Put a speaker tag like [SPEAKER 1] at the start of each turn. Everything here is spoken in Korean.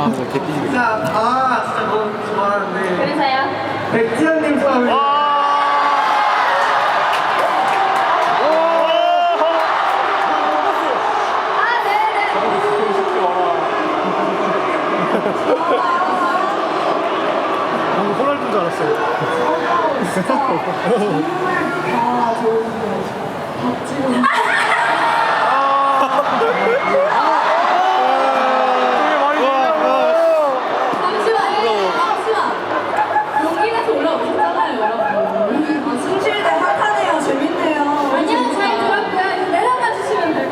[SPEAKER 1] 개삐지게.
[SPEAKER 2] 진짜 진짜 너무 좋아하는데
[SPEAKER 3] 그래서요?
[SPEAKER 2] 백지현님처럼
[SPEAKER 1] 방금 호날두인 줄 알았어요.
[SPEAKER 3] 정말 다 좋은데 박지훈